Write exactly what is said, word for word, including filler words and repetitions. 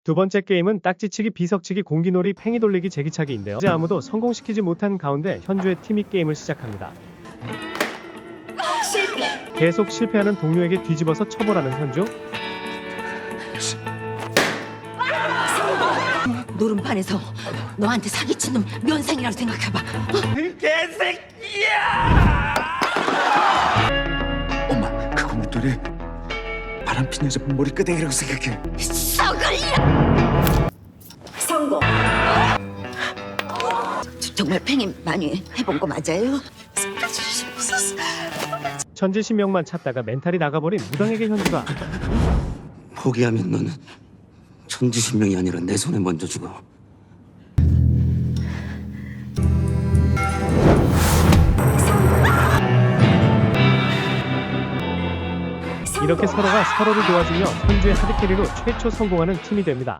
두 번째 게임은 딱지치기, 비석치기, 공기놀이, 팽이 돌리기, 제기차기인데요. 이제 아무도 성공시키지 못한 가운데 현주의 팀이 게임을 시작합니다. 실패. 계속 실패하는 동료에게 뒤집어서 처벌하는 현주. 노름판에서 너한테 사기친 놈 면상이라고 생각해봐. 엄마, 그거 목도리 바람핀 여자 머리끄댕이라고 생각해. 썩을려. 성공. 저- 정말 팽이 많이 해본 거 맞아요? 천지신명만 찾다가 멘탈이 나가버린 무당에게 현주가 포기하면 너는 천지신명이 아니라 내 손에 먼저 죽어. 이렇게 서로가 서로를 도와주며 현주의 하드캐리로 최초 성공하는 팀이 됩니다.